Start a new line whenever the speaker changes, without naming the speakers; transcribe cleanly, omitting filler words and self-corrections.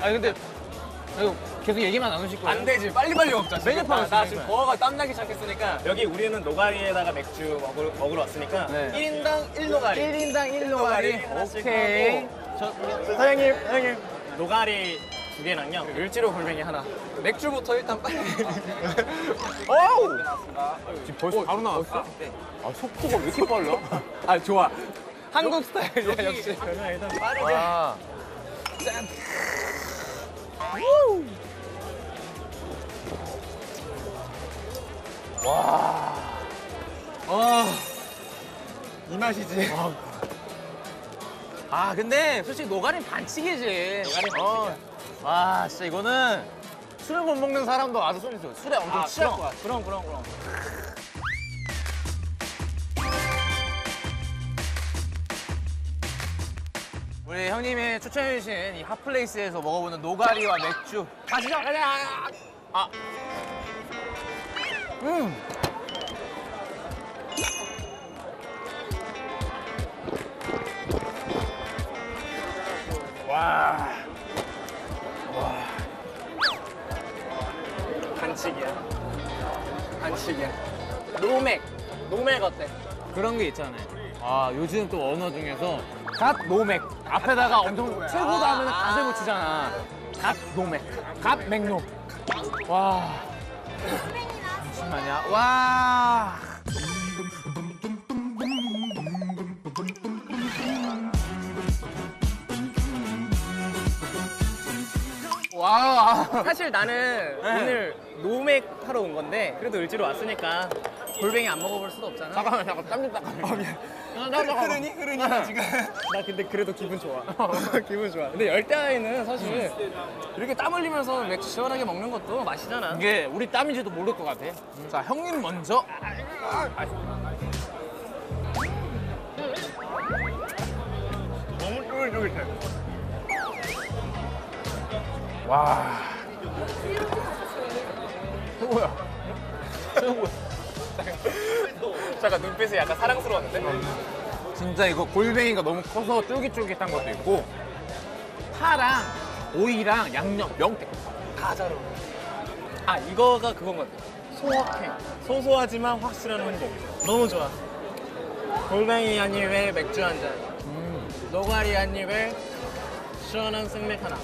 아니 근데 이거 계속 얘기만 나누실 거예요?
안 되지. 빨리빨리 먹자.
메뉴판
나 지금 버거가 땀나기 시작했으니까. 여기 우리는 노가리에다가 맥주 먹으러 왔으니까
네.
1인당 1노가리.
1인당 1노가리.
하나씩
오케이.
하고. 사장님. 노가리 2개랑요. 을지로 골뱅이 하나. 맥주부터 일단 빨리.
어우! 지금 벌써 바로 나왔어?
네.
아, 속도가 왜 이렇게 빨라?
아, 좋아. 한국 스타일이야, 역시. 그러면 일단 빠르게.
아.
짠.
와.
이 맛이지.
아, 근데 솔직히 노가리는 반칙이지.
노가리 반칙이야.
와, 진짜 이거는 술을 못 먹는 사람도 와서 쏠 수 있어. 술에 엄청 취할 것 같아.
그럼.
우리 형님이 추천해주신 이 핫플레이스에서 먹어보는 노가리와 맥주. 가시죠, 가자! 아. 와.
반칙이야. 노맥 어때?
그런 게 있잖아요. 아, 요즘 또 언어 중에서 갓 노맥. 앞에다가 엄청 틀고도 하면 갓을 붙이잖아. 갓 노맥. 갓 맥노. 와. 잠시만요. 와. 와.
사실 나는 오늘 노맥 하러 온 건데 그래도 을지로 왔으니까 골뱅이 안 먹어볼 수도 없잖아.
잠깐만, 땀 좀 닦아.
미안. 흐르니 지금. 나 근데 그래도 기분 좋아. 기분 좋아. 근데 열대야에는 사실 이렇게 땀 흘리면서 맥주 시원하게 먹는 것도 맛이잖아.
이게 우리 땀인지도 모를 것 같아. 자, 형님 먼저.
너무 쫄깃쫄깃해.
와. 최고야. 최고야.
잠깐 눈빛이 약간 사랑스러웠는데?
진짜 이거 골뱅이가 너무 커서 쫄깃쫄깃한 것도 있고 파랑 오이랑 양념, 명태
다 잘 어울려. 아, 이거가 그건 것 같아. 소확행. 소소하지만 확실한 행복. 너무 좋아. 골뱅이 한 입에 맥주 한 잔. 노가리 한 입에 시원한 생맥 하나.